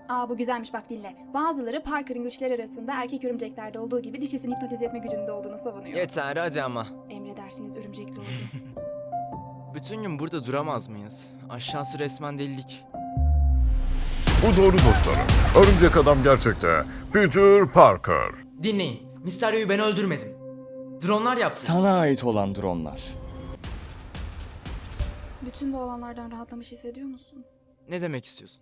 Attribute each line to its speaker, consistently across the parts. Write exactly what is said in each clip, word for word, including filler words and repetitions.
Speaker 1: Aa bu güzelmiş bak dinle. Bazıları Parker'ın güçleri arasında erkek örümceklerde olduğu gibi dişisini hipnotize etme gücünde olduğunu savunuyor.
Speaker 2: Yeter hadi ama.
Speaker 1: Emredersiniz örümcekli ordu.
Speaker 2: Bütün gün burada duramaz mıyız? Aşağısı resmen delilik.
Speaker 3: Bu doğru dostlarım. Örümcek adam gerçekte Peter Parker.
Speaker 2: Dinleyin. Mysterio'yu ben öldürmedim. Dronlar yaptı.
Speaker 4: Sana ait olan dronlar.
Speaker 1: Bütün bu olanlardan rahatlamış hissediyor musun?
Speaker 2: Ne demek istiyorsun?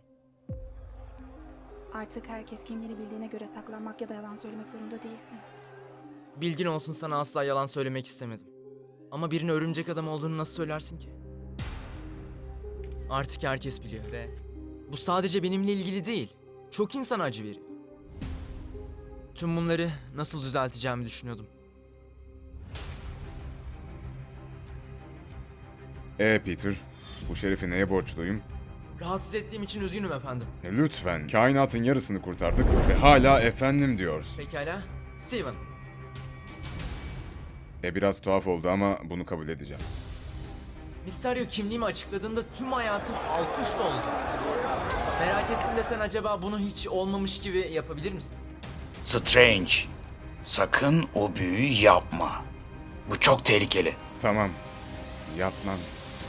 Speaker 1: Artık herkes kimliğini bildiğine göre saklanmak ya da yalan söylemek zorunda değilsin.
Speaker 2: Bilgin olsun, sana asla yalan söylemek istemedim. Ama birine örümcek adam olduğunu nasıl söylersin ki? Artık herkes biliyor ve bu sadece benimle ilgili değil. Çok insana acı veriyor. Tüm bunları nasıl düzelteceğimi düşünüyordum.
Speaker 5: Ee Peter, bu şerefi neye borçluyum?
Speaker 2: Rahatsız ettiğim için üzgünüm efendim.
Speaker 5: E, Lütfen, kainatın yarısını kurtardık ve hala efendim diyoruz.
Speaker 2: Pekala. Steven.
Speaker 5: E biraz tuhaf oldu ama bunu kabul edeceğim.
Speaker 2: Mysterio kimliğimi açıkladığında tüm hayatım alt üst oldu. Merak ettim de sen acaba bunu hiç olmamış gibi yapabilir misin?
Speaker 6: Strange, sakın o büyüyü yapma. Bu çok tehlikeli.
Speaker 5: Tamam, yapmam.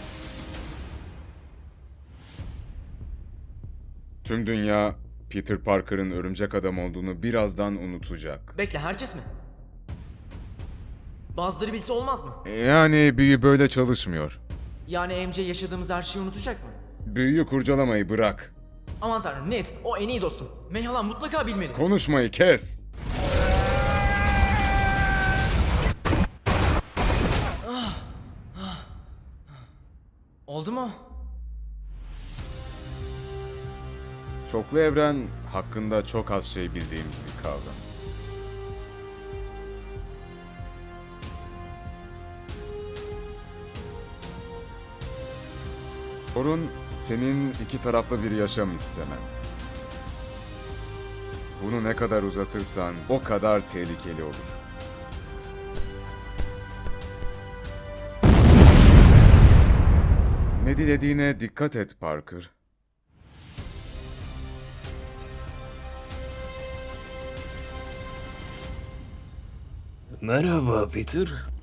Speaker 5: Tüm dünya Peter Parker'ın örümcek adam olduğunu birazdan unutacak.
Speaker 2: Bekle, herkes mi? Bazıları bilse olmaz mı?
Speaker 5: E, Yani büyü böyle çalışmıyor.
Speaker 2: Yani M J yaşadığımız her şeyi unutacak mı?
Speaker 5: Büyüyü kurcalamayı bırak.
Speaker 2: Aman tanrım, net. O en iyi dostum. Meyhalan mutlaka bilmeli.
Speaker 5: Konuşmayı kes.
Speaker 2: Oldu mu?
Speaker 5: Çoklu evren hakkında çok az şey bildiğimiz bir kavram. Sorun senin iki taraflı bir yaşam istemen. Bunu ne kadar uzatırsan o kadar tehlikeli olur. Ne dilediğine dikkat et Parker.
Speaker 7: Merhaba Peter.